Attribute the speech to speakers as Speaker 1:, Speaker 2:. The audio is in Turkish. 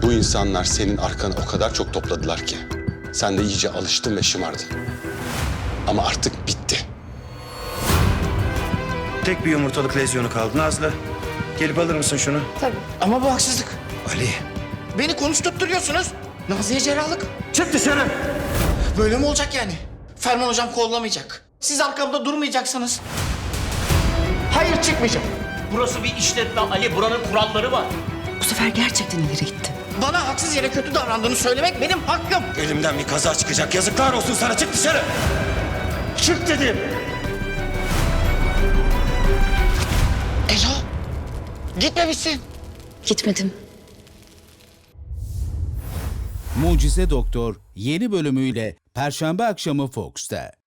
Speaker 1: Bu insanlar senin arkanı o kadar çok topladılar ki sen de iyice alıştın ve şımardın. Ama artık bitti.
Speaker 2: Tek bir yumurtalık lezyonu kaldı Nazlı. Gelip alır mısın şunu?
Speaker 3: Tabii.
Speaker 4: Ama bu haksızlık.
Speaker 2: Ali.
Speaker 4: Beni konuşturtturuyorsunuz. Nazlı'ya cerrahlık.
Speaker 2: Çık dışarı.
Speaker 4: Böyle mi olacak yani? Ferman hocam kollamayacak. Siz arkamda durmayacaksınız. Hayır, çıkmayacağım.
Speaker 5: Burası bir işletme Ali. Buranın kuralları var.
Speaker 3: Bu sefer gerçekten ileri gitti.
Speaker 4: Bana haksız yere kötü davrandığını söylemek benim hakkım.
Speaker 2: Elimden bir kaza çıkacak. Yazıklar olsun sana. Çık dışarı. Çık dedim.
Speaker 4: Elo, gitmemişsin.
Speaker 3: Gitmedim.
Speaker 6: Mucize Doktor yeni bölümüyle Perşembe akşamı Fox'ta.